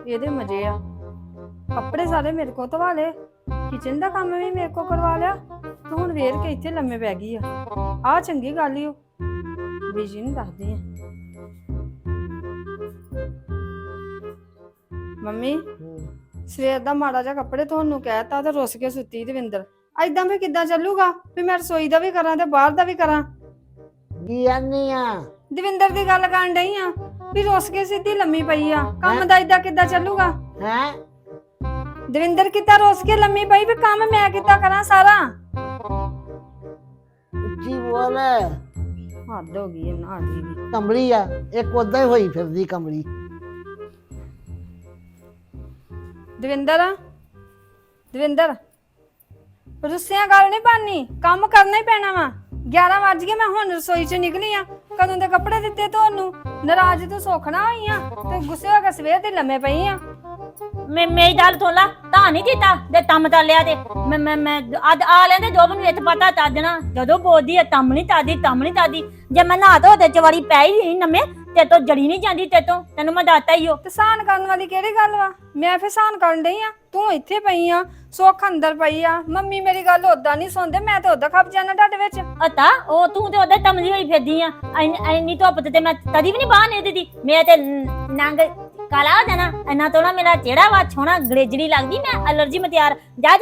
ਇਹਦੇ ਮਜ਼ੇ ਆ। ਕੱਪੜੇ ਸਾਰੇ ਮੇਰੇ ਕੋਲ ਧਵਾ ਲਏ, ਕਿਚਨ ਦਾ ਕੰਮ ਵੀ ਮੇਰੇ ਕੋਲ ਕਰਵਾ ਲਿਆ ਤੇ ਹੁਣ ਵੇਰ ਕੇ ਇੱਥੇ ਲੰਮੇ ਪੈ ਗਈ ਆ ਚੰਗੀ ਗੱਲ ਈ ਓ। ਬੀਜੀ ਨੂੰ ਦੱਸਦੀ ਆ। ਮੰਮੀ ਸਵੇਰ ਦਾ ਮਾੜਾ ਜਿਹਾ ਕੱਪੜੇ ਧੋਣ ਨੂੰ ਕਹਿਤਾ ਤੇ ਰੁੱਸ ਕੇ ਸੁੱਤੀ ਦਵਿੰਦਰ। ਐਦਾਂ ਫੇ ਕਿੱਦਾਂ ਚੱਲੂਗਾ ਵੀ ਮੈਂ ਰਸੋਈ ਦਾ ਵੀ ਕਰਾਂ ਤੇ ਬਾਹਰ ਦਾ ਵੀ ਕਰਾਂ। ਕੀ ਆਨੀ ਆ? ਦਵਿੰਦਰ ਦੀ ਗੱਲ ਕਰਨ ਡਈ ਆ ਵੀ ਰੁੱਸ ਕੇ ਸਿੱਧੀ ਲੰਮੀ ਪਈ ਆ। ਕੰਮ ਦਾ ਏਦਾਂ ਕਿੱਦਾਂ ਚੱਲੂਗਾ? ਹੈ ਦਵਿੰਦਰ ਕਿੱਦਾਂ ਰੁੱਸ ਕੇ ਲੰਮੀ ਪਈ ਵੀ ਕੰਮ ਮੈਂ ਕਿੱਦਾਂ ਕਰਾਂ ਸਾਰਾ? ਉੱਚੀ ਬੋਲ। ਹੱਦ ਹੋ ਗਈ ਇਹਨਾਂ ਦੀ ਵੀ। ਕਮਲੀ ਆ ਇੱਕ ਉਦਾਂ ਹੀ ਹੋਈ ਫਿਰਦੀ ਕਮਲੀ। ਦਵਿੰਦਰ ਦਵਿੰਦਰ ਰੁੱਸਿਆਂ ਗੱਲ ਨਹੀਂ ਬਣਨੀ, ਕੰਮ ਕਰਨਾ ਹੀ ਪੈਣਾ ਵਾ। 11 ਵੱਜ ਗਏ, ਮੈਂ ਹੁਣ ਰਸੋਈ ਚੋਂ ਨਿਕਲੀ ਆ। ਕਦੋਂ ਦੇ ਕੱਪੜੇ ਦਿੱਤੇ ਤੁਹਾਨੂੰ? ਨਾਰਾਜ਼ ਤੂੰ ਸੋਖਣਾ ਹੋਈ ਆ ਤੇ ਗੁੱਸੇ ਹੋ ਕੇ ਸਵੇਰ ਦੇ ਲੰਮੇ ਪਈ ਆ। ਮੇਰੀ ਗੱਲ ਸੁਣ ਲਾ, ਤਾਂ ਨਹੀਂ ਦਿੱਤਾ ਦੇ ਤੰਮ ਤਾਂ ਲਿਆ ਤੇ ਮੈਂ ਅੱਜ ਆ ਲੈਂਦੇ ਜੋ ਮੈਨੂੰ ਇੱਥੇ ਪਤਾ ਤਾਦਣਾ ਜਦੋਂ ਬੋਲਦੀ ਹੈ ਤੰਮ ਨਹੀਂ ਤਾਦੀ ਜੇ ਮੈਂ ਨਹਾ ਧੋ ਤੇ ਚਵਾੜੀ ਪੈ ਹੀ ਨਵੇਂ ਤੇ ਤੋਂ ਜੜੀ ਨਹੀਂ ਜਾਂਦੀ ਤੇ ਤੋਂ ਤੈਨੂੰ ਮੈਂ ਦੱਸਤਾ ਹੀ ਹੋ। ਤੇ ਸਾਨ ਕਰਨ ਵਾਲੀ ਕਿਹੜੀ ਗੱਲ ਵਾ? ਮੈਂ ਫੇ ਸਾਨ ਕਰਨ ਡਈ ਆ, ਤੂੰ ਇੱਥੇ ਪਈ ਆ, ਸੁੱਖ ਅੰਦਰ ਪਈ ਆ। ਮੰਮੀ ਮੇਰੀ ਗੱਲ ਓਦਾਂ ਨਹੀਂ ਸੁਣਦੇ, ਮੈਂ ਤੇ ਓਦਾਂ ਖੱਪ ਜਾਣਾ ਤੁਹਾਡੇ ਵਿੱਚ। ਅਤਾ ਉਹ ਤੂੰ ਤੇ ਉਹਦੇ ਤਮਲੀ ਹੋਈ ਫਿਰਦੀ ਆ। ਇੰਨੀ ਧੁੱਪ ਤੇ ਮੈਂ ਕਦੀ ਵੀ ਨਹੀਂ ਬਾਹਰ ਨਹੀਂ ਦਿੱਤੀ। ਮੈਂ ਤੇ ਨੰਗ ਕਾਲਾ ਹੋ ਜਾਣਾ ਇੰਨਾ ਤੋਣਾ ਮੇਰਾ ਚਿਹਰਾ ਵਾ ਛੋਣਾ ਗੜੇਜੜੀ ਲੱਗਦੀ। ਮੈਂ ਅਲਰਜੀ ਮੈਂ ਤਿਆਰ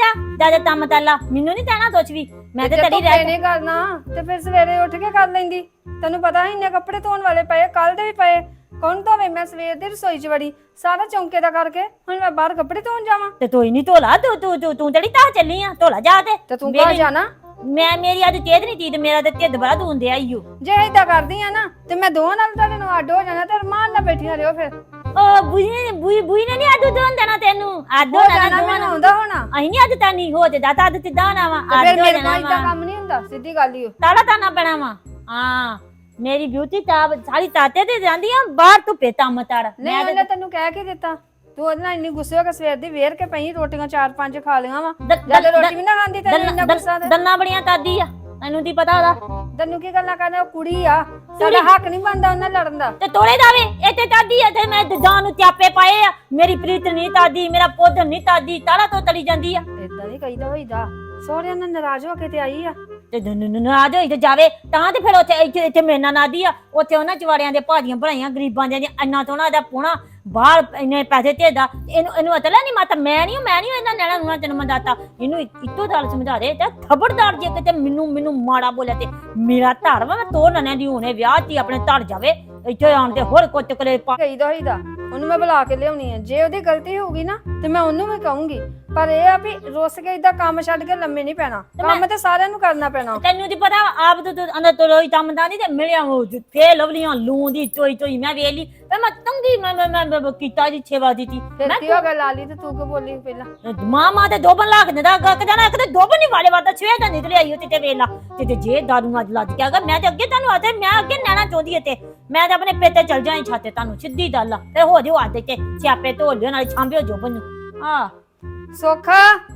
ਜਾ ਤੰਮ ਤਾਲਾ ਮੈਨੂੰ ਨਹੀਂ ਕਹਿਣਾ ਕੁਛ ਵੀ। ਮੈਂ ਤੇ ਤੜੀ ਰਹਿ ਨਹੀਂ ਕਰਨਾ ਤੇ ਫਿਰ ਸਵੇਰੇ ਉੱਠ ਕੇ ਕਰ ਲੈਂਦੀ। ਤੈਨੂੰ ਪਤਾ ਇੰਨੇ ਕੱਪੜੇ ਧੋਣ ਵਾਲੇ ਪਏ, ਕੱਲ ਦੇ ਵੀ ਪਏ। ਕੌਣ ਧੋਵੇ? ਮੈਂ ਸਵੇਰ ਦੀ ਰਸੋਈ 'ਚ ਵੜੀ ਸਾਰਾ ਚੌਂਕੇ ਦਾ ਕਰਕੇ, ਹੁਣ ਮੈਂ ਬਾਹਰ ਕੱਪੜੇ ਧੋਣ ਜਾਵਾਂ? ਤੇ ਤੋਈ ਨਹੀਂ ਧੋਲਾ ਤੂੰ ਜਿਹੜੀ ਤਾਂ ਚੱਲੀ ਆ ਧੋਲਾ ਜਾ ਤੇ ਤੂੰ ਕਾ ਜਾਣਾ? ਮੇਰੀ ਅੱਜ ਤੇਦ ਨਹੀਂ ਤੀਦ ਮੇਰਾ ਤੇ ਢਿੱਡ ਬੜਾ ਦੂੰਦੇ ਆਈਓ। ਜੇ ਏਦਾਂ ਕਰਦੀ ਆ ਨਾ ਤੇ ਮੈਂ ਦੋਵਾਂ ਨਾਲ ਤੁਹਾਡੇ ਨੂੰ ਅੱਡ ਹੋ ਜਾਣਾ ਤੇ ਰਮਾਨ ਨਾਲ ਬੈਠੀਆਂ ਰਿਓ। ਫਿਰ ਉਹ ਬੁਈ ਨੇ ਨਹੀਂ ਆਦੂ ਦੋਨ ਦੇਣਾ ਤੈਨੂੰ। ਆਦੂ ਨਾ ਮੈਨੂੰ ਆਉਂਦਾ ਹੋਣਾ। ਅਹੀਂ ਨਹੀਂ ਅੱਜ ਤਾਂ ਨਹੀਂ ਹੋ ਤੇ ਦਾਤਾ ਅੱਜ ਤਿੱਦਾਂ ਨਾ ਵਾ ਫਿਰ ਮੇਰੇ ਕੋਲ ਏਦਾਂ ਕੰਮ ਨਹੀਂ ਹੁੰਦਾ, ਸਿੱਧੀ ਗੱਲ ਹੀ। ਤਾੜਾ ਤਾਣਾ ਪੈਣਾ ਵਾ। ਹਾਂ ਮੇਰੀ ਬਿਊਟੀ ਤਾਂ ਸਾਰੀ ਤਾਤੇ ਤੇ ਜਾਂਦੀ ਆ ਬਾਹਰ ਤੂੰ ਪੇਤਾ ਮਤਾੜ। ਨਹੀਂ ਉਹਨੇ ਤੈਨੂੰ ਕਹਿ ਕੇ ਦਿੱਤਾ? ਤੂੰ ਉਹਦੇ ਨਾਲ ਇੰਨੀ ਗੁੱਸੇ ਹੋ ਕੇ ਸਵੇਰ ਦੀ ਵੇਰ ਕੇ ਪਈ, ਰੋਟੀਆਂ 4-5 ਖਾ ਲਈਆਂ ਵਾ। ਜਦ ਰੋਟੀ ਵੀ ਨਾ ਖਾਂਦੀ ਤੈਨੂੰ ਇੰਨਾ ਗੁੱਸਾ ਤੇ ਦੰਨਾ ਬੜੀਆਂ ਤਾਦੀ ਆ, ਤੈਨੂੰ ਕੀ ਪਤਾ ਉਹਦਾ? ਤੈਨੂੰ ਕੀ ਗੱਲਾਂ ਕਰਨੇ? ਉਹ ਕੁੜੀ ਆ, ਸਾਡਾ ਹੱਕ ਨਹੀਂ ਬਣਦਾ ਉਹਨਾਂ ਲੜਨ ਦਾ। ਤੇ ਤੋੜੇ ਦਾਵੇ ਇੱਥੇ ਤਾਦੀ ਆ ਤੇ ਮੈਂ ਜਾਨ ਨੂੰ ਚਾਪੇ ਪਾਏ ਆ। ਮੇਰੀ ਪ੍ਰੀਤ ਨਹੀਂ ਤਾਦੀ, ਮੇਰਾ ਪੁੱਤ ਨਹੀਂ ਤਾਦੀ, ਤਾੜਾ ਤੋਂ ਤੜੀ ਜਾਂਦੀ ਆ। ਏਦਾਂ ਨਹੀਂ ਕਹੀਦਾ ਹੋਈਦਾ। ਸਹੁਰਿਆਂ ਨਾਲ ਨਾਰਾਜ਼ ਹੋ ਕੇ ਤੇ ਆਈ ਆ ਤੇ ਨਾਰਾਜ਼ ਹੋਈ ਤੇ ਜਾਵੇ ਤਾਂ ਤੇ ਫਿਰ ਇੱਥੇ ਮੇਰੇ ਨਾਲ ਨਾਦੀ ਆ। ਉੱਥੇ ਉਹਨਾਂ ਚਵਾੜਿਆਂ ਦੇ ਭਾਜੀਆਂ ਬਣਾਈਆਂ ਗਰੀਬਾਂ ਦੀਆਂ ਇੰਨਾ ਤੋਂ ਉਹਦਾ ਪੋਣਾ ਬਾਹਰ ਇੰਨੇ ਪੈਸੇ ਧੇਦਾ। ਇਹਨੂੰ ਅਤਲਾ ਨਹੀਂ ਮਾਤਾ ਮੈਂ ਨਹੀਂ ਇਹਨਾਂ ਨੈਣਾ ਨੂੰ ਤੈਨੂੰ ਮੈਂ ਦੱਸਤਾ। ਇਹਨੂੰ ਇੱਕੋ ਗੱਲ ਸਮਝਾ ਦੇ ਤੇ ਖਬਰਦਾਰ ਜੇ ਕਿਤੇ ਮੈਨੂੰ ਮਾੜਾ ਬੋਲਿਆ ਤੇ ਮੇਰਾ ਧੜ ਵਾ ਮੈਂ ਤੋੜ ਨਨਿਆਂ ਦੀ ਹੁਣੇ ਵਿਆਹ ਚ ਆਪਣੇ ਧੜ ਜਾਵੇ ਇੱਥੇ ਆਣ ਤੇ ਹੋਰ ਕੁੱਤ ਕਲੇ ਕਹੀਦਾ ਹੋਈਦਾ। ਉਹਨੂੰ ਮੈਂ ਬੁਲਾ ਕੇ ਲਿਆਉਣੀ ਆ, ਜੇ ਉਹਦੀ ਗਲਤੀ ਹੋਊਗੀ ਨਾ ਤੇ ਮੈਂ ਉਹਨੂੰ ਵੀ ਕਹੂੰਗੀ। ਪਰ ਇਹ ਆ ਵੀ ਰੁੱਸ ਕੇ ਇਦਾਂ ਕੰਮ ਛੱਡ ਕੇ ਲੰਮੇ ਨਹੀਂ ਪੈਣਾ, ਕੰਮ ਤੇ ਸਾਰਿਆਂ ਨੂੰ ਕਰਨਾ ਪੈਣਾ। ਤੈਨੂੰ ਤੇ ਪਤਾ ਆਪ ਤੂੰ ਅੰਦਰ ਤੋਂ ਲੋਈ ਤੰਮਦਾ ਨਹੀਂ ਤੇ ਮਿਲਿਆ ਉਹ ਫੇ ਲਵਲੀਆਂ ਲੂੰ ਦੀ ਚੋਈ ਮੈਂ ਵੇਖ ਲਈ ਤੇ ਮੈਂ ਤੰਗੀ ਮੈਂ ਕੀਤਾ ਜੀ ਛੇਵਾ ਦਿੱਤੀ। ਫਿਰ ਕੀ ਹੋ ਗਿਆ ਲਾਲੀ? ਤੇ ਤੂੰ ਕਿ ਬੋਲੀ ਪਹਿਲਾਂ? ਮਾਂ ਤੇ ਦੋਬਨ ਲੱਗ ਦਿੰਦਾ ਜਾਣਾ ਕਿਤੇ ਦੋਬਨ ਨਹੀਂ ਵਾਲੇ ਵਾਦਾ ਛੇ ਤਾਂ ਨਿਕਲ ਆਈ ਤੇ ਵੇਲਾ ਤੇ ਜੇ ਦਾਰੂ ਅੱਜ ਲੱਗ ਗਿਆ ਮੈਂ ਤੇ ਅੱਗੇ ਤੁਹਾਨੂੰ ਆਤੇ ਮੈਂ ਅੱਗੇ ਨੈਣਾ ਚਾਹੁੰਦੀ ਤੇ ਮੈਂ ਤੇ ਆਪਣੇ ਪੇਤੇ ਚਲ ਜਾਈ ਛਾਤੇ ਤੁਹਾਨੂੰ ਸਿੱਧੀ ਗੱਲ ਆ ਤੇ ਹੋ ਜਿਓ ਆਦੇ ਤੇ ਸਿਆਪੇ ਧੋ ਲਿਓ ਨਾਲ ਛਾਂਬਿਓ ਜੋਬਨ ਨੂੰ। ਆ ਸੋਖਾ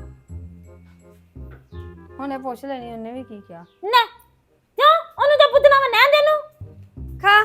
ਉਹਨੇ ਪੁੱਛ ਲੈਣੀ ਉਹਨੇ ਵੀ ਕੀ ਕਿਹਾ ਨਾ ਕਿਉਂ ਉਹਨੂੰ ਤਾਂ ਪੁੱਤਨਾ ਮੈਂ ਨੈਣ ਦੇ ਨੂੰ ਖਾ।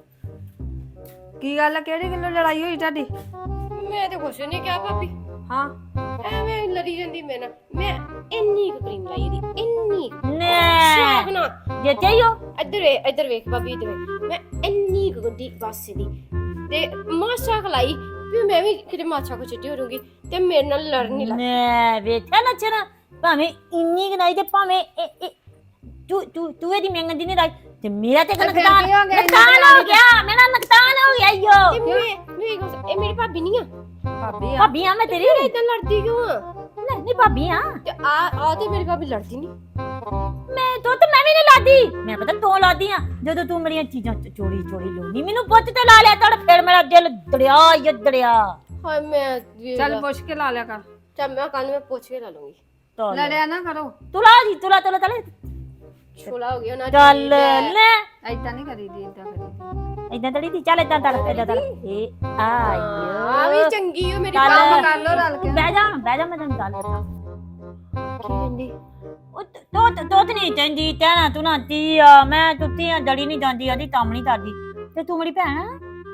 ਕੀ ਗੱਲ ਆ? ਕਿਹੜੀ ਗੱਲੋਂ ਲੜਾਈ ਹੋਈ ਤੁਹਾਡੀ? ਮੈਂ ਤੇ ਕੁਛ ਨਹੀਂ ਕਿਹਾ ਭਾਬੀ। ਹਾਂ ਐਵੇਂ ਲੜੀ ਜਾਂਦੀ ਮੈਂ ਇੰਨੀ ਕੁ ਕਰੀਮ ਲਾਈ ਦੀ ਇੰਨੀ ਨੇ ਨਾ ਜੇ ਚਾਹੀਓ ਇੱਧਰ ਵੇਖ ਭਾਬੀ ਇੱਧਰ ਵੇਖ। ਮੈਂ ਇੰਨੀ ਕੁ ਗੱਡੀ ਬਸ ਦੀ ਤੇ ਮਾਸਾ ਖਲਾਈ ਵੀ ਮੈਂ ਵੀ ਕਿਤੇ ਮਾਛਾ ਕੋ ਚਿੱਟੀ ਹੋ ਜਾਊਗੀ ਤੇ ਮੇਰੇ ਨਾਲ ਲੜ ਨਹੀਂ ਲੱਗ। ਨੇ ਵੇਖਿਆ ਲੱਛਣ ਭਾਵੇਂ ਇੰਨੀ ਗਨਾਈ ਤੇ ਭਾਵੇਂ ਤੂੰ ਇਹਦੀ ਮੰਗਦੀ ਨਹੀਂ ਰਾਈ ਤੇ ਮੇਰਾ ਤੇ ਨੁਕਸਾਨ ਹੋ ਗਿਆ। ਮੇਰਾ ਨੁਕਸਾਨ ਹੋ ਗਿਆ ਈਓ। ਇਹ ਮੇਰੀ ਭਾਬੀ ਨਹੀਂ ਆ। ਭਾਬੀ ਆ ਮੈਂ ਤੇਰੀ। ਇਦਾਂ ਲੜਦੀ ਕਿਉਂ ਆ? ਨਹੀਂ ਭਾਬੀ ਆ ਤੇ ਆ ਤੇ ਮੇਰੀ ਭਾਬੀ ਲੜਦੀ ਨਹੀਂ। ਮੈਂ ਵੀ ਨਹੀਂ ਲਾਦੀ। ਮੈਂ ਪਤਾ ਤੂੰ ਲਾਦੀ ਆ ਜਦੋਂ ਤੂੰ ਮੇਰੀਆਂ ਚੀਜ਼ਾਂ ਚੋਰੀ ਲੋਨੀ ਮੈਨੂੰ ਪੁੱਤ ਤੇ ਲਾ ਲਿਆ ਤੜ ਫਿਰ ਮੇਰਾ ਦਿਲ ਦੜਿਆ। ਹਾਏ ਮੈਂ ਚੱਲ ਪੁੱਛ ਕੇ ਲਾ ਲਿਆ ਕਰ। ਚੱਲ ਮੈਂ ਕੱਲ ਮੈਂ ਪੁੱਛ ਕੇ ਲਾ ਲੂੰਗੀ। ਲੜਿਆ ਨਾ ਕਰੋ। ਤੂੰ ਲਾ ਜੀ ਤੂੰ ਛੋਲਾ ਹੋ ਗਿਆ ਨਾ। ਚੱਲ ਲੈ ਏਦਾਂ ਨਹੀਂ ਕਰੀਦੀ, ਏਦਾਂ ਕਰੀਦੀ। ਇਦਾਂ ਤੜੀ ਦੀ ਚੱਲ ਇਦਾਂ ਤੜ ਇਹ ਆਇਓ ਆ ਵੀ ਚੰਗੀ ਹੋ ਮੇਰੀ ਕੰਮ ਕਰ ਲੋ ਰਲ ਕੇ। ਬਹਿ ਜਾ ਮੈਂ ਤੈਨੂੰ ਗੱਲ ਦੱਸਾਂ। ਕੀ ਕਹਿੰਦੀ? ਉਹ ਤੋਤ ਨਹੀਂ ਕਹਿੰਦੀ ਕਹਿਣਾ ਤੂੰ ਨਾ ਤੀ ਆ ਮੈਂ ਤੁੱਤੀ ਆ ਜੜੀ ਨਹੀਂ ਜਾਂਦੀ ਆਦੀ ਕੰਮ ਨਹੀਂ ਕਰਦੀ ਤੇ ਤੂੰ ਮੇਰੀ ਭੈਣ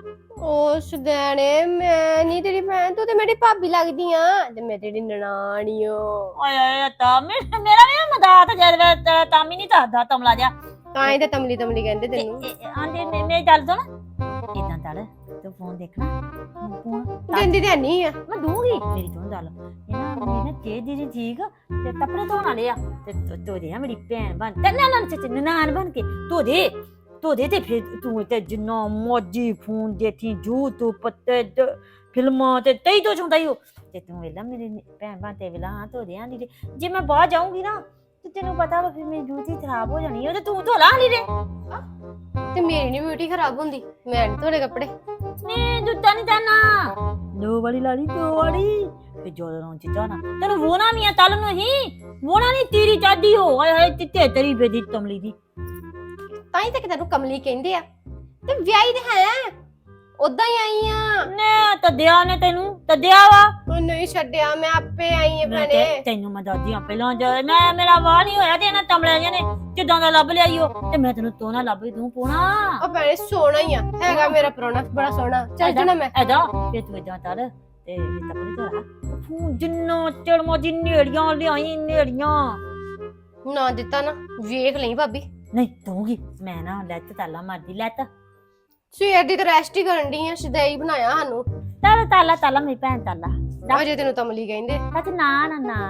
ਉਹ ਸੁਦੈਣੇ ਮੈਂ ਨਹੀਂ ਤੇਰੀ ਭੈਣ, ਤੂੰ ਤੇ ਮੇਰੀ ਭਾਬੀ ਲੱਗਦੀ ਆ ਤੇ ਮੈਂ ਤੇਰੀ ਨਨਾਣੀ ਓ। ਓਏ ਓਏ ਤਾਂ ਮੇਰਾ ਵੀ ਮਦਦ ਜਦ ਤਾਂ ਵੀ ਨਹੀਂ ਦੱਸਦਾ ਤਮਲਾ ਜਾ ਤਾਂ ਹੀ ਤਾਂ ਤਮਲੀ ਤਮਲੀ ਕਹਿੰਦੇ ਤੈਨੂੰ। ਆਂਦੇ ਮੇਰੀ ਗੱਲ ਸੁਣ ਇਦਾਂ ਕਰ ਤੂੰ ਫੋਨ ਦੇਖਣਾ ਫੋਨ ਦਿੰਦੀ ਤੇ ਨਹੀਂ ਆ। ਮੈਂ ਦੂੰਗੀ ਮੇਰੀ ਤੋਂ ਗੱਲ ਇਹਨਾਂ ਮੇਰੀ ਨਾ ਤੇਜ ਦੀ ਠੀਕ ਤੇ ਕੱਪੜੇ ਧੋਣ ਵਾਲੇ ਆ ਤੇ ਧੋਦੇ ਆ ਮੇਰੀ ਭੈਣ ਬਣ ਤੇ ਨਾਨ ਬਣ ਕੇ ਧੋਦੇ ਤੇ ਫਿਰ ਤੂੰ ਤੇ ਜਿੰਨਾ ਮੋਜੀ ਫੋਨ ਦੇਖੀ YouTube ਤੇ ਫਿਲਮਾਂ ਤੇ ਤਈ ਤੋਂ ਚਾਹੁੰਦਾ ਹੀ ਤੇ ਤੂੰ ਵੇਲਾ ਮੇਰੀ ਭੈਣ ਬਣ ਤੇ ਵੇਲਾ ਹਾਂ ਧੋਦੇ ਆ ਦੀ ਜੇ ਮੈਂ ਬਾਹਰ ਜਾਊਂਗੀ ਨਾ ਤੇ ਤੈਨੂੰ ਪਤਾ ਵਾ ਫਿਰ ਮੇਰੀ ਡਿਊਟੀ ਖਰਾਬ ਹੋ ਜਾਣੀ ਉਹ ਤੇ ਤੂੰ ਧੋ ਲਾ ਲਈ ਰੇ ਤੇ ਮੇਰੀ ਨੀ ਬਿਊਟੀ ਖਰਾਬ ਹੁੰਦੀ, ਮੈਂ ਨੀ ਧੋਲੇ ਕੱਪੜੇ। ਨੇ ਜੁੱਤਾ ਨਹੀਂ ਤਾਨਾ ਦੋ ਵਾਲੀ ਲਾੜੀ ਦੋ ਵਾਲੀ ਫੇ ਜੋਰਾਂ ਚ ਜਾਣਾ ਤੈਨੂੰ ਵੋਣਾ ਵੀ ਆ ਤਲ ਨੂੰ ਹੀ ਵੋਣਾ ਨਹੀਂ ਤੇਰੀ ਚਾਦੀ ਹੋ ਹਾਏ ਹਾਏ ਤਿੱਤੇ ਤੇਰੀ ਬੇਦੀ ਤਮਲੀ ਦੀ ਤਾਂ ਹੀ ਤਾਂ ਤੈਨੂੰ ਕਮਲੀ ਕਹਿੰਦੇ ਆ ਤੇ ਵਿਆਹੀ ਤੇ ਹੈ ਉਦਾਂ ਹੀ ਆਈ ਆ। ਨੇ ਤਦਿਆ ਨੇ ਤੈਨੂੰ ਤਦਿਆ ਵਾ ਉਹ ਨਹੀਂ ਛੱਡਿਆ, ਮੈਂ ਆਪੇ ਆਈ ਆ ਮੈਂ ਭੈਣੇ। ਤੈਨੂੰ ਮੈਂ ਦਾਦੀਆਂ ਪਹਿਲਾਂ ਮੈਂ ਮੇਰਾ ਵਾਹ ਨਹੀਂ ਹੋਇਆ ਤੇ ਇਹਨਾਂ ਤਮਲਿਆਂ ਨੇ ਜਿੱਦਾਂ ਦਾ ਲੱਭ ਲਿਆਈ ਉਹ ਤੇ ਮੈਂ ਤੈਨੂੰ ਤੋਨਾ ਲੱਭ ਦੂੰ ਪੋਣਾ ਉਹ ਭੈਣੇ ਸੋਹਣਾ ਹੀ ਆ, ਹੈਗਾ ਮੇਰਾ ਪ੍ਰਾਹੁਣਾ ਬੜਾ ਸੋਹਣਾ। ਚੱਲ ਜਣਾ ਮੈਂ ਐਦਾ ਫੇ ਤੂੰ ਇਦਾਂ ਕਰ ਤੇ ਤਪੜੀ ਧਰਾ ਫੂ ਜਿੰਨੋ ਚੜਮੋ ਜਿੰਨੇੜੀਆਂ ਲਿਆਈ ਨੇੜੀਆਂ ਨਾ ਦਿੱਤਾ ਨਾ ਵੇਖ ਲਈ ਭਾਬੀ। ਨਹੀਂ ਦਊਂਗੀ ਮੈਂ ਨਾ ਲੈਤ ਤਾਲਾ ਮਾਰਦੀ ਲੈਤ ਸਵੇਰ ਦੀ ਤਾਂ ਰੈਸਟ ਹੀ ਕਰਨ ਦੀ ਆ, ਸ਼ਦਾਈ ਬਣਾਇਆ ਸਾਨੂੰ। ਤਾਲਾ ਮੇਰੀ ਭੈਣ ਤਾਲਾ ਅਜੇ ਤੈਨੂੰ ਤਮਲੀ ਕਹਿੰਦੇ। ਅੱਛਾ ਨਾ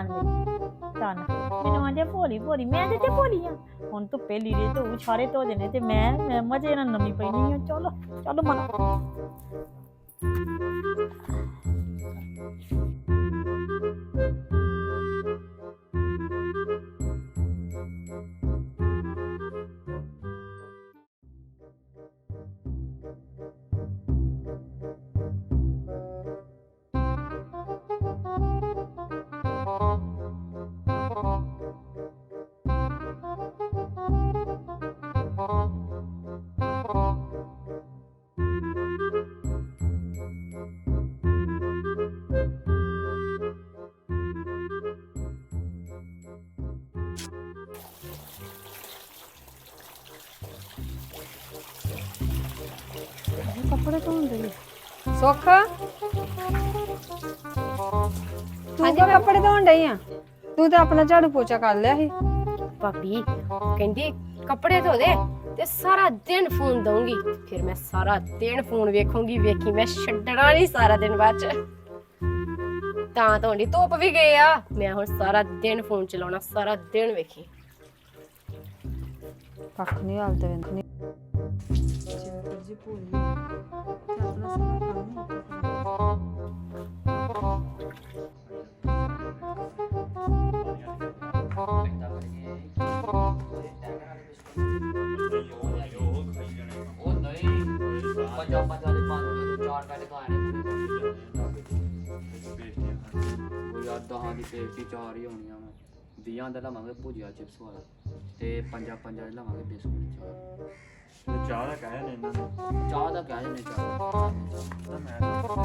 ਮੈਨੂੰ ਆਂਦੇ ਭੋਲੀ ਮੈਂ ਤੇ ਭੋਲੀ ਆ ਹੁਣ ਤੂੰ ਪਹਿਲੀ ਰੇ ਤੂੰ ਸਾਰੇ ਧੋ ਦੇਣੇ ਤੇ ਮੈਂ ਮਜੇ ਨਾਲ ਨਵੀਂ ਪੈਣੀ ਆ ਚਲੋ ਮਨਾ ਕੱਪੜੇ ਧੋਣ ਦੇ ਸੁੱਖ ਤੂੰ ਤਾਂ ਕੱਪੜੇ ਧੋਣ ਡਈ ਆ ਤੂੰ ਤਾਂ ਆਪਣਾ ਝਾੜੂ ਪੋਚਾ ਕਰ ਲਿਆ ਸੀ ਭਾਬੀ ਕਹਿੰਦੀ ਕੱਪੜੇ ਧੋ ਦੇ ਤੇ ਸਾਰਾ ਦਿਨ ਫੋਨ ਦਊਂਗੀ। ਫਿਰ ਮੈਂ ਸਾਰਾ ਦਿਨ ਫੋਨ ਵੇਖੂੰਗੀ, ਵੇਖੀ ਮੈਂ ਛੱਡਣਾ ਨਹੀਂ ਸਾਰਾ ਦਿਨ ਬਾਅਦ ਚ। ਤਾਂ ਤੁਹਾਡੀ ਧੁੱਪ ਵੀ ਗਏ ਆ, ਮੈਂ ਹੁਣ ਸਾਰਾ ਦਿਨ ਫੋਨ ਚਲਾਉਣਾ, ਸਾਰਾ ਦਿਨ ਵੇਖੀ। ਕੱਖ ਨਹੀਂ ਹਾਲ ਤੇ ਵੇਖ ਨਹੀਂ ਜੀ ਭੁੱਲ ਤੇ ਆਪਣਾ ਸਾਰਾ ਕੰਮ ਪੰਜਾਂ ਦੇ ਪੰਜ ਚਾਰ ਪੈਸੇ ਖਾਣੇ ਉਹ ਯਾਰ 10 ਦੀ ਪੇਟੀ 4 ਹੀ ਹੋਣੀਆਂ ਵਾ 20 ਦਾ ਲਵਾਂਗੇ ਭੁਜੀਆ ਚਿਪਸ ਵਾਲਾ ਤੇ ਪੰਜਾਂ ਦੇ ਲਵਾਂਗੇ ਬਿਸਕੁਟ ਚਾਹ ਚਾਹ ਦਾ ਕਹਿਆ ਨੇ ਇਹਨਾਂ ਨੇ ਚਾਹ ਦਾ ਕਹਿ ਜਨੇ ਚਾਹ ਤਾਂ ਮੈਂ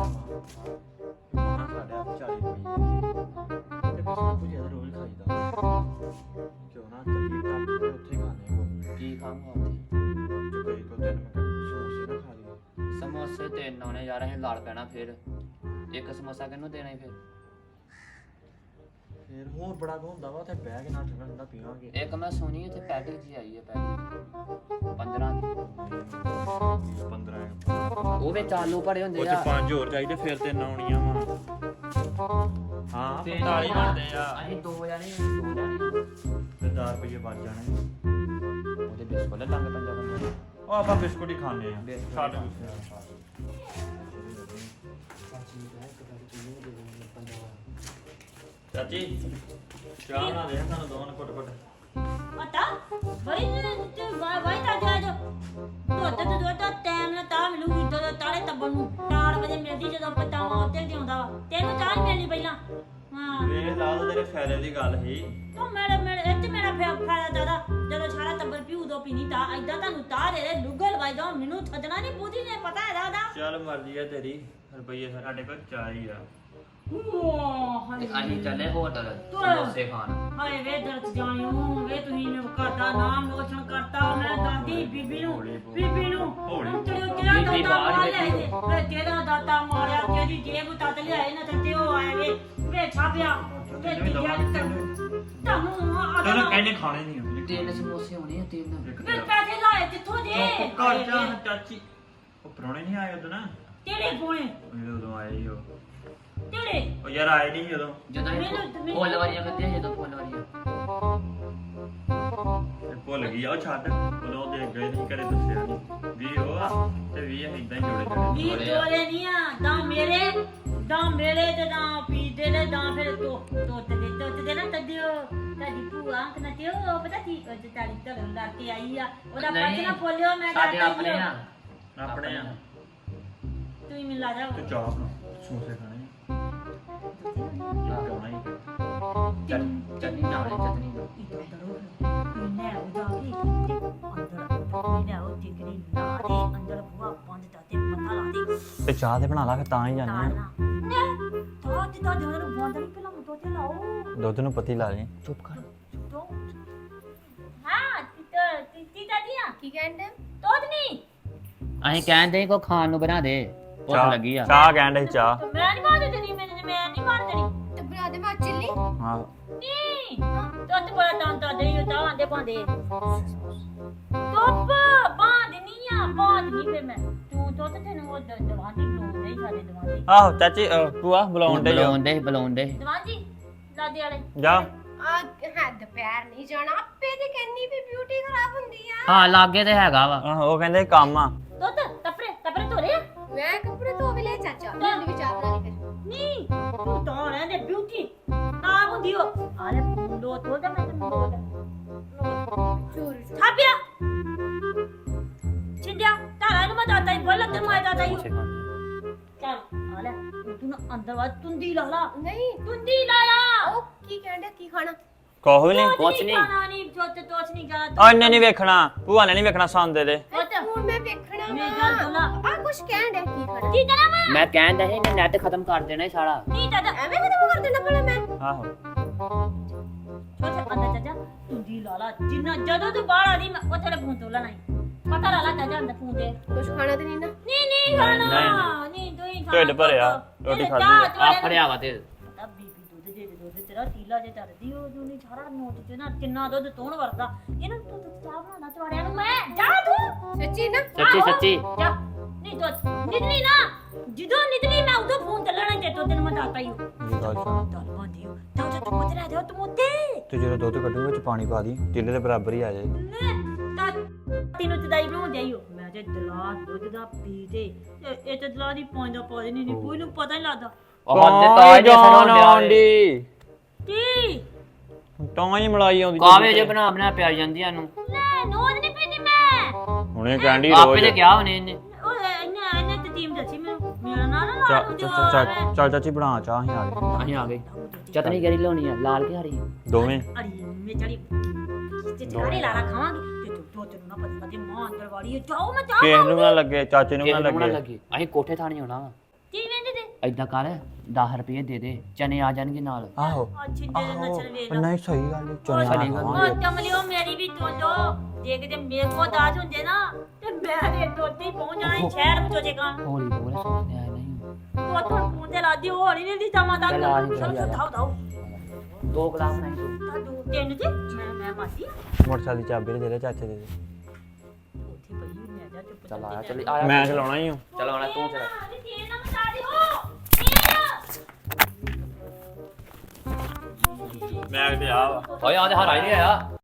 ਮਹਾਂ ਸਾਡੇ 40 ਰੁਪਏ ਤੇ ਬਸ ਕੁਝ ਜ਼ਿਆਦਾ ਰੋਜ਼ ਖਾਈਦਾ ਕਿਉਂ ਨਾ ਚੱਲੀ ਤਾਂ ਉੱਥੇ ਖਾਣੇ ਕੋ ਕੀ ਖਾਵਾਂਗਾ ਜੋ ਕਈ ਕੋ ਤੈਨੂੰ ਸਮੋਸੇ ਨਾ ਖਾ ਲਈ ਸਮੋਸੇ ਤੇ ਨਾਉਣੇ ਯਾਰ ਅਸੀਂ ਲੜ ਪੈਣਾ ਫਿਰ ਇੱਕ ਸਮੋਸਾ ਕਿਹਨੂੰ ਦੇਣਾ ਫਿਰ ਹੋਰ ਬੜਾ ਕੋ ਹੁੰਦਾ ਵਾ ਤੇ ਬਹਿ ਕੇ ਨਾ ਠੰਡਾ ਠੰਡਾ ਪੀਵਾਂਗੇ ਇੱਕ ਮੈਂ ਸੁਣੀ ਇੱਥੇ ਪੈਕੇਜ ਜੀ ਆਈ ਹੈ ਪੈਕੇਜ 15 ਦੀ 15 ਉਹ ਵਿੱਚ ਆਲੂ ਭਰੇ ਉਹ ਹੁੰਦੇ ਚ ਆ 5 ਹੋਰ ਚਾਹੀਦੇ ਫਿਰ ਤੇ ਨਾਉਣੀਆਂ ਵਾ ਹਾਂ 45 ਬਣਦੇ ਆ ਅਸੀਂ ਦੋ ਜਾਣੇ ਤੇ 10 ਰੁਪਏ ਬਚ ਜਾਣੇ ਉਹਦੇ ਬਿਸਕੁਟ ਲੈ ਲਾਂਗੇ ਪੰਜਾਂ ਬੰਦੇ ਉਹ ਆਪਾਂ ਬਿਸਕੁਟ ਹੀ ਖਾਣੇ ਆ ਬਿਸਕੁਟ ਛੱਡ ਚਾਚੀ ਚਾਹ ਬਣਾ ਦੇ ਸਾਨੂੰ ਦੋਵਾਂ ਨੂੰ ਘੁੱਟ ਪਤਾ ਬਈ ਤੇ ਵਾਈ ਤਾਂ ਜਾ ਦੁੱਧ ਟਾਈਮ ਨਾਲ ਤਾਂ ਮਿਲੂਗੀ ਜਦੋਂ ਤਾਲੇ ਤੱਬਣ ਨੂੰ 4 ਵਜੇ ਮਿਲਦੀ ਜਦੋਂ ਪਤਾਵਾ ਉੱਤੇ ਜਿਉਂਦਾ ਵਾ ਤੈਨੂੰ ਚਾਹ ਨੀ ਮਿਲਣੀ ਪਹਿਲਾਂ ਹਾਂ ਵੇਖ ਲਾ ਤੇਰੇ ਫਾਇਦੇ ਦੀ ਗੱਲ ਸੀ ਤੂੰ ਮੇਰੇ ਇੱਥੇ ਮੇਰਾ ਫਾਇਦਾ ਦਾਦਾ ਜਦੋਂ ਸਾਰਾ ਟੱਬਰ ਪੀਊ ਦੋ ਪੀਣੀ ਤਾਂ ਐਦਾਂ ਤੁਹਾਨੂੰ ਤਾਰ ਦੇ ਲੁੱਗਲ ਲਵਾਈ ਦੋ ਮੈਨੂੰ ਥੱਜਣਾ ਨਹੀਂ ਪੂਦੀ ਨੇ ਪਤਾ ਹੈ ਦਾਦਾ ਚੱਲ ਮਰਜ਼ੀ ਆ ਤੇਰੀ ਰੁਪਈਏ ਸਾਡੇ ਕੋਲ ਚਾਹ ਹੀ ਆ ਤੇ ਅਸੀਂ ਚੱਲੇ ਹੋਟਲ ਸਮੋਸੇ ਖਾਣ ਹਾਏ ਵੇ ਦਰਦ ਜਾਣਿਓ ਵੇ ਤੁਸੀਂ ਨੇ ਕਰਦਾ ਨਾਮ ਰੋਸ਼ਨ ਕਰਤਾ ਮੈਂ ਆਂਦੀ ਬੀਬੀ ਨੂੰ ਹੌਲੀ ਬੋਲ। ਬੀਬੀ ਨੂੰ ਹੌਲੀ। ਤੇਰਾ ਬੀਬੀ ਦਾਤਾ ਬਾਹਰ ਮਾਰ ਬੈਠੀ। ਲਿਆਏ ਵੇ ਤੇਰਾ ਦਾਤਾ ਮਾਰਿਆ ਤੇਰੀ ਜੇਬ ਤੱਤ ਲਿਆਏ ਨਾ ਤੇ ਉਹ ਆਏ ਵੇ ਛਾਪਿਆ ਵੇ ਤੁਹਾਨੂੰ ਤੈਨੂੰ ਕਹਿੰਦੇ ਖਾਣੇ ਨਹੀਂ ਹੁੰਦੇ ਤਿੰਨ ਸਮੋਸੇ ਹੋਣੇ ਆ ਤਿੰਨ ਵੇ ਪੈਸੇ ਲਾਏ ਕਿੱਥੋਂ ਦੇ ਘਰ ਜਾ ਚਾਚੀ ਉਹ ਪ੍ਰਾਹੁਣੇ ਨਹੀਂ ਆਏ ਉਦੋਂ ਨਾ ਤੇਰੇ ਕੋਲੇ ਉਹ ਉਦੋਂ ਆਏ ਹੀ ਉਹ ਤੇਰੇ ਉਹ ਯਾਰ ਆਏ ਨਹੀਂ ਜਦੋਂ ਜਦੋਂ ਇਹ ਫੁੱਲ ਵਾਰੀਆਂ ਕਰਦੇ ਜਦੋਂ ਫੁੱਲ ਵਾਰੀਆਂ ਤੇ ਭੁੱਲ ਗਈ ਆ ਉਹ ਛੱਡ ਉਦੋਂ ਦੇ ਗਏ ਨਹੀਂ ਘਰੇ ਦੱਸਿਆ ਨਹੀਂ ਵੀ ਉਹ ਆ ਤੇ ਵੀ ਇਦਾਂ ਹੀ ਜੋੜੇ ਵੀ ਜੋੜੇ ਨਹੀਂ ਆ ਦਾ ਮੇਰੇ ਤੇ ਦਾ ਪੀਦੇ ਨੇ ਦਾ ਫਿਰ ਤੋਤ ਦੇ ਨਾ ਤਦਿਓ ਤਦੀ ਭੂਆ ਅੰਕ ਤੇ ਉਹ ਪਤਾ ਕੀ ਉਹ ਤੇ ਤਾੜੀ ਧਰਨ ਲਾ ਕੇ ਆਈ ਆ ਉਹਦਾ ਨਹੀਂ, ਪੱਛ ਨਾ ਫੋਲਿਓ ਮੈਂ ਸਾਡੇ ਡਰਦੀ ਆਪਣੇ ਆ ਆਪਣੇ ਆ ਤੂੰ ਹੀ ਮਿਲ ਲਾ ਜਾ ਤੇ ਚਾਹ ਬਣਾ ਸਮੋਸੇ ਖਾਣੇ ਇੱਕ ਆਉਣਾ ਹੀ ਚਟਨੀ ਨਾਲ ਚਟਨੀ ਨਾਲ ਮੈਂ ਉਹਦਾ ਵੀ ਅੰਦਰ ਮੈਂ ਉਹ ਟਿਕਰੀ ਨਾ ਦੇ ਅੰਦਰ ਬੁਆ ਬੰਦ ਤਾਂ ਤੇ ਪਤਾ ਲਾ ਦੇ ਤੇ ਚਾਹ ਤੇ ਬਣਾ ਲਾ ਫਿਰ ਤਾਂ ਹੀ ਨਾ ਤਾਂ ਜਦੋਂ ਨੂੰ ਬੰਦ ਨਹੀਂ ਪਹਿਲਾਂ ਮੁੱਟੋ ਤੇ ਲਾਓ ਦੁੱਧ ਨੂੰ ਪਤੀ ਲਾ ਲਈ ਚੁੱਪ ਕਰ तो हाँ तीता दिया ਕੀ ਕਹਿੰਦੇ तो नहीं ਅਸੀਂ ਕਹਿੰਦੇ ਕੋ ਖਾਣ ਨੂੰ ਬਣਾ ਦੇ ਭੁੱਖ ਲੱਗੀ ਆ ਚਾਹ ਕਹਿੰਦੇ ਚਾਹ तो मैं नहीं मार देनी मैं नहीं मार देनी ਤੇ ਬਣਾ ਦੇ ਮੈਂ ਚਿੱਲੀ ਹਾਂ नहीं तो बड़ा तांता दे यो ता आंदे पांदे तो बांध नहीं फिर मैं तू तो तेन वो दवानी लो नहीं सारे दवानी ਆਹੋ ਚਾਚੀ ਭੂਆ ਬੁਲਾਉਂਦੇ ਜੋ ਬੁਲਾਉਂਦੇ दवानी लादे वाले ਜਾ ਆ ਹੈ ਦੁਪਹਿਰ ਨਹੀਂ ਜਾਣਾ ਆਪੇ ਤੇ ਕਹਿੰਨੀ ਵੀ ਬਿਊਟੀ ਖਰਾਬ ਹੁੰਦੀ ਆ ਹਾਂ ਲਾਗੇ ਤੇ ਹੈਗਾ ਵਾ ਆਹੋ ਉਹ ਕਹਿੰਦੇ ਕੰਮ ਆ तो तपरे तोरे ਮੈਂ ਕੱਪੜੇ ਧੋ ਵੀ ਲੈ ਚਾਚਾ ਮੈਨੂੰ ਵੀ ਚਾਹ ਬਣਾ ਲਈ ਫਿਰ नहीं तू तो रहने ब्यूटी ना बुंदियो अरे मुंडो तो दे मैं मुंडो ਚੋਰ थापिया छिंडिया तारा नु मत आता ही बोल ते मैं आता ही चल आले तू ना अंदर वा तुंदी लाला ਨਹੀਂ तुंदी लाला ਉਹ ਕੀ ਕਹਿੰਦੇ ਕੀ ਖਾਣਾ ਕੋਹ ਨਹੀਂ ਕੁਛ ਨਹੀਂ। खाना नहीं जो ते तोच नहीं जा ਉਹਨੇ ਨਹੀਂ ਵੇਖਣਾ ਭੂਆ ਨੇ ਨਹੀਂ ਵੇਖਣਾ ਸੰਦੇ ਦੇ ਹੁਣ ਮੈਂ ਵੇਖਣਾ मैं गल बोला ਆ ਕੁਛ ਕਹਿੰਦੇ ਕੀ ਖਾਣਾ की करा मैं ਮੈਂ ਕਹਿੰਦਾ ਸੀ ਇਹਨੇ ਨੈਟ ਖਤਮ ਕਰ ਦੇਣਾ ਇਹ ਸਾਰਾ नहीं दादा ਐਵੇਂ ਖਤਮ ਕਰ ਦੇਣਾ ਭਲਾ ਮੈਂ ਆਹੋ छोटे अंदर चाचा तुंदी लाला जिन्ना जदों तू बाहर आनी मैं ओ तेरे फोन तोला नहीं पता लाला चाचा अंदर फोन दे ਕੁਛ ਖਾਣਾ ਤੇ ਨਹੀਂ ਨਾ नहीं खाना नहीं तू ही ਢਿੱਡ ਭਰਿਆ ਰੋਟੀ ਖਾਧੀ ਆ। ਆਪਣੇ ਆਵਾ ਤੇ ਪਤਾ ਬੀਬੀ ਦੁੱਧ ਦੇ ਦੁੱਧ ਤੇਰਾ ਤੀਲਾ ਜੇ ਧਰਦੀ ਉਹ ਜੋ ਨਹੀਂ ਸਾਰਾ ਨੋਟ ਚ ਨਾ ਕਿੰਨਾ ਦੁੱਧ ਤੋਣ ਵਰਦਾ ਇਹਨਾਂ ਨੂੰ ਤੂੰ ਚਾਹ ਬਣਾਉਣਾ ਚਵਾੜਿਆਂ ਨੂੰ ਮੈਂ ਜਾ ਤੂੰ ਸੱਚੀ ਨਾ ਸੱਚੀ ਸੱਚੀ ਜਾ ਨਹੀਂ ਤੋ ਨਿਤਨੀ ਨਾ ਜਦੋਂ ਨਿਤਨੀ ਮੈਂ ਉਦੋਂ ਫੋਨ ਚੱਲਣਾ ਤੇ ਤੋ ਦਿਨ ਮੈਂ ਦਾਤਾ ਹੀ ਇਹ ਗੱਲ ਸੁਣ ਦਲ ਬੰਦੀ ਹੋ ਤਾਂ ਤੂੰ ਮਤ ਰਹਿ ਤੂੰ ਮੋਤੇ ਤੇ ਜਦੋਂ ਦੁੱਧ ਕੱਢੂ ਵਿੱਚ ਪਾਣੀ ਪਾ ਦੀ ਟਿੱਲੇ ਦੇ ਬਰਾਬਰ ਹੀ ਆ ਜਾਏ ਤਾਂ ਤੈਨੂੰ ਤਦਾਈ ਬਣਾਉਂਦੇ ਆਈ ਹੋ ਮੈਂ ਤੇ ਦਲਾ ਦੁੱਧ ਦਾ ਪੀ ਤੇ ਇਹ ਤੇ ਦਲਾ ਦੀ ਪਾਉਂਦਾ ਪਾ ਨਹੀਂ ਕੋਈ ਨੂੰ ਪਤਾ ਨਹੀਂ ਲੱਗਦਾ ਉਹ ਹੱਦ ਤਾਂ ਜੇ ਸੁਣਾਉਣ ਆਉਂਦੀ ਕੀ ਤਾਂ ਹੀ ਮਲਾਈ ਆਉਂਦੀ ਕਾਵੇ ਜੇ ਬਣਾ ਪਿਆ ਜਾਂਦੀਆਂ ਨੂੰ ਲੈ ਨੋਜ ਨਹੀਂ ਪੀਂਦੀ ਮੈਂ ਹੁਣੇ ਕਹਿੰਦੀ ਆਪੇ ਰੋਜ਼ ਤੇ ਕਿਹਾ ਉਹਨੇ ਇਹਨੇ ਉਹ ਇਹਨੇ ਤੇ ਟੀਮ ਦੱਸੀ ਮੈਨੂੰ ਮੇਰਾ ਨਾਂ ਨਾ ਲਾ ਲੂ ਜੋ ਚੱਲ ਚਾਚੀ ਬਣਾ ਚਾਹ ਅਸੀਂ ਆ ਗਏ ਅਸੀਂ ਆ ਗਏ ਚਟਨੀ ਕਿਹੜੀ ਲਾਉਣੀ ਆ ਲਾਲ ਕਿ ਹਰੀ ਦੋਵੇਂ ਅੜੀ ਮੈਂ ਚੜੀ ਤੇ ਚੜੀ ਲਾਲਾ ਖਾਵਾਂਗੀ ਤੇ ਤੂੰ ਤੈਨੂੰ ਨਾ ਪਤਾ ਤੇ ਮਾਂ ਅੰਦਰ ਵਾੜੀ ਹੈ ਜਾਓ ਮੈਂ ਜਾ ਕਿਸੇ ਨੂੰ ਨਾ ਲੱਗੇ ਚਾਚੇ ਨੂੰ ਨਾ ਕਿਹਨੂੰ ਨਾ ਲੱਗੇ ਲੱਗੇ ਅਸੀਂ ਕੋਠੇ ਥਾਣੀ ਆਉਣਾ ਵਾ ਕੀ ਵੇਂਦੇ ਤੇ ਏਦਾਂ ਕਰ 10 ਰੁਪਏ ਦੇ ਦੇ ਚਨੇ ਆ ਜਾਣਗੇ ਨਾਲ ਆਹੋ ਅੱਛੀ ਦੇ ਨਚਲ ਵੇਖ ਨਹੀਂ ਸਹੀ ਗੱਲ ਚੋਣੇ ਸਹੀ ਗੱਲ। ਉਹ ਚਮਲਿਓ ਮੇਰੀ ਵੀ ਤੋਲੋ ਜੇ ਕਿਤੇ ਮੇਰੇ ਕੋ ਦਾਜ ਹੁੰਦੇ ਨਾ ਤੇ ਮੈਂ ਦੇ ਦੋਤੀ ਪਹੁੰਚ ਜਾਣਾ ਸੀ ਸ਼ਹਿਰ ਵਿੱਚ ਜੇ ਕਾਂ ਹੌਲੀ ਬੋਲ ਸੋਚਦੇ ਆ ਨਹੀਂ ਤੂੰ ਤੋਂ ਫੋਨ ਤੇ ਲਾਦੀ ਹੋਣੀ ਨਹੀਂ ਦੀ ਜਮਾ ਤੱਕ ਚੱਲ ਆ ਜੀ, ਚੱਲ ਆ। ਧਾਉ ਧਾਉ ਦੋ ਗਲਾਸ ਨਹੀਂ ਤੂੰ ਤਾਂ ਦੋ ਤਿੰਨ ਤੇ ਮੈਂ ਮਾਸੀ ਮੋਟਰਸਾਈਕਲ ਦੀ ਚਾਬੀ ਦੇ ਦੇ ਚਾਚੇ ਦੇ ਦੇ ਉੱਥੇ ਪਈ ਹੁੰਦੀ ਆ ਜਾ ਚੁੱਪ ਚੱਲ ਆਇਆ ਚੱਲ ਆਇਆ ਮੈਂ ਚਲਾਉਣਾ ਹੀ ਹਾਂ ਚੱਲ ਆਉਣਾ ਤੂੰ ਚਲਾ ਤੇਲ ਨਾ ਮਚਾ ਦਿਓ ਮੈਂ ਤੇ ਆ ਵਾ ਓਏ ਆ ਤੇ ਹਰਾ ਹੀ ਨਹੀਂ ਆਇਆ